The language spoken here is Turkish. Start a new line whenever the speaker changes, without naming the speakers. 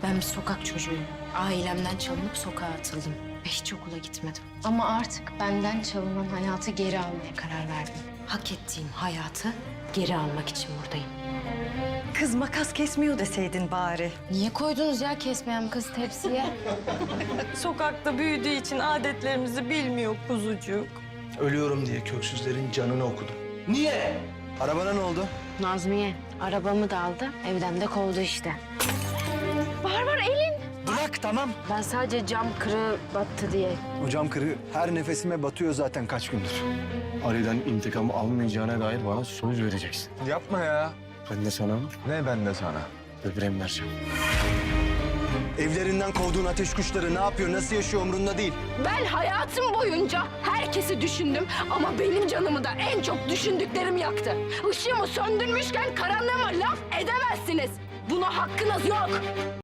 Ben bir sokak çocuğuyum. Ailemden çalınıp sokağa atıldım. Ve hiç okula gitmedim.
Ama artık benden çalınan hayatı geri almaya karar verdim.
Hak ettiğim hayatı geri almak için buradayım.
Kız makas kesmiyor deseydin bari.
Niye koydunuz ya kesmeyen kız tepsiye?
Sokakta büyüdüğü için adetlerimizi bilmiyor kuzucuk.
Ölüyorum diye köksüzlerin canını okudum. Niye? Arabana ne oldu?
Nazmiye arabamı da aldı, evden de kovdu işte.
Bırak tamam.
Ben sadece cam kırığı battı diye.
O cam kırığı her nefesime batıyor zaten kaç gündür.
Ali'den intikam almayacağına dair bana söz vereceksin.
Yapma ya.
Ben de sana
Ne ben de sana?
böbreğimi vereceğim.
Evlerinden kovduğun ateş kuşları ne yapıyor, nasıl yaşıyor umrunda değil.
Ben hayatım boyunca herkesi düşündüm ama benim canımı da en çok düşündüklerim yaktı. Işığımı söndürmüşken karanlığıma laf edemezsiniz. Buna hakkınız yok.